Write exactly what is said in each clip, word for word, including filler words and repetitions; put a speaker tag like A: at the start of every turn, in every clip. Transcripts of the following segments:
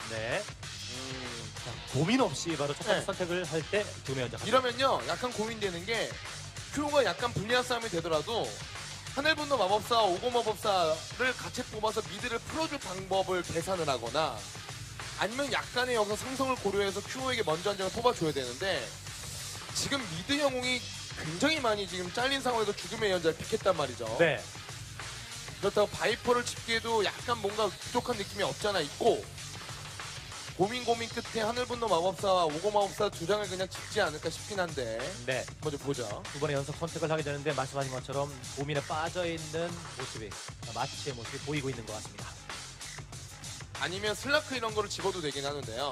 A: 네.
B: 음.
A: 자, 고민 없이 바로 첫 번째
B: 네.
A: 선택을 할 때 두 명이 먼저
B: 이러면요 약간 고민되는 게 큐가 약간 불리한 싸움이 되더라도 하늘분노 마법사, 오고 마법사를 같이 뽑아서 미드를 풀어줄 방법을 계산을 하거나 아니면 약간의 여기서 상성을 고려해서 큐에게 먼저 한 장을 뽑아줘야 되는데 지금 미드 영웅이 굉장히 많이 지금 잘린 상황에서 죽음의 연자를 픽했단 말이죠.
A: 네.
B: 그렇다고 바이퍼를 집기에도 약간 뭔가 부족한 느낌이 없잖아 있고 고민 고민 끝에 하늘분노 마법사와 오고 마법사 두 장을 그냥 집지 않을까 싶긴 한데
A: 네.
B: 먼저 보자.
A: 두 번의 연속 선택을 하게 되는데 말씀하신 것처럼 고민에 빠져 있는 모습이 마치의 모습이 보이고 있는 것 같습니다.
B: 아니면 슬라크 이런 거를 집어도 되긴 하는데요.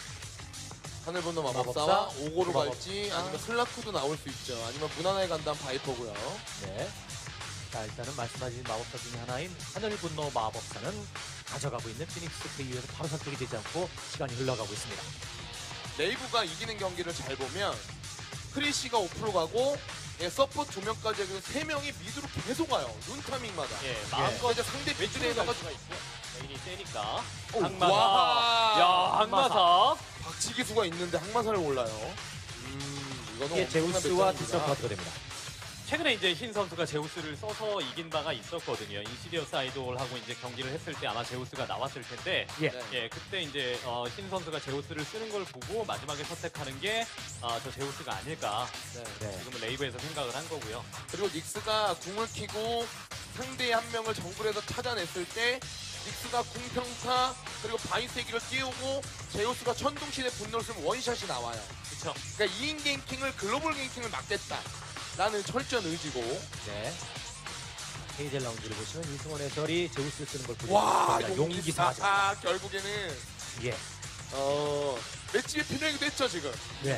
B: 하늘분노 마법사와
A: 마법사,
B: 오고로
A: 마법-
B: 갈지
A: 아.
B: 아니면 슬라크도 나올 수 있죠. 아니면 무난하게 간다면 바이퍼고요.
A: 네. 자, 일단은 말씀하신 마법사 중에 하나인 하늘분노 마법사는 가져가고 있는 피닉스 그 이후에서 바로 선택이 되지 않고 시간이 흘러가고 있습니다.
B: 레이브가 이기는 경기를 잘 보면 크리시가 오 퍼센트 가고 예, 서포트 두 명까지 해서 세 명이 미드로 계속 와요. 눈 타밍마다.
C: 예,
B: 마음껏 이제 상대 미드에다가
C: 수가 있고 메인이 세니까
B: 오,
C: 항마사.
B: 와.
C: 야, 항마사.
B: 박치기수가 있는데 항마사를 올라요. 음, 이거는
A: 이게
B: 엄청난
A: 제우스와
B: 배짱입니다.
A: 뒷선 카드가 됩니다.
C: 최근에 이제 흰 선수가 제우스를 써서 이긴 바가 있었거든요. 인시디어스 아이돌하고 이제 경기를 했을 때 아마 제우스가 나왔을 텐데,
A: 예.
B: 네.
C: 예, 그때 이제 어, 흰 선수가 제우스를 쓰는 걸 보고 마지막에 선택하는 게 아, 저 제우스가 아닐까.
B: 네.
A: 네.
C: 지금은 레이브에서 생각을 한 거고요.
B: 그리고 닉스가 궁을 키고 상대의 한 명을 정글에서 찾아냈을 때 닉스가 궁평타 그리고 바이세기를 띄우고 제우스가 천둥신의 분노를 쓰면 원샷이 나와요.
C: 그렇죠.
B: 그러니까 이 인 갱킹을 글로벌 갱킹을 막겠다 라는 철저한 의지고.
A: 네. 헤이젤 라운지를 보시면 이승원 해설이 제우스를 쓰는 걸 보고
B: 와
A: 있습니다.
B: 용기사.
A: 용기사죠.
B: 아 결국에는
A: 예.
B: 어 맷집이 필요하기도 했죠 지금.
A: 네.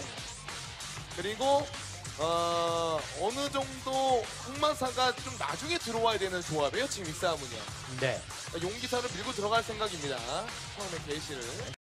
B: 그리고 어 어느 정도 항마사가 좀 나중에 들어와야 되는 조합이에요 지금 이 싸움은요.
A: 네.
B: 그러니까 용기사를 밀고 들어갈 생각입니다. 처음에 게이시를.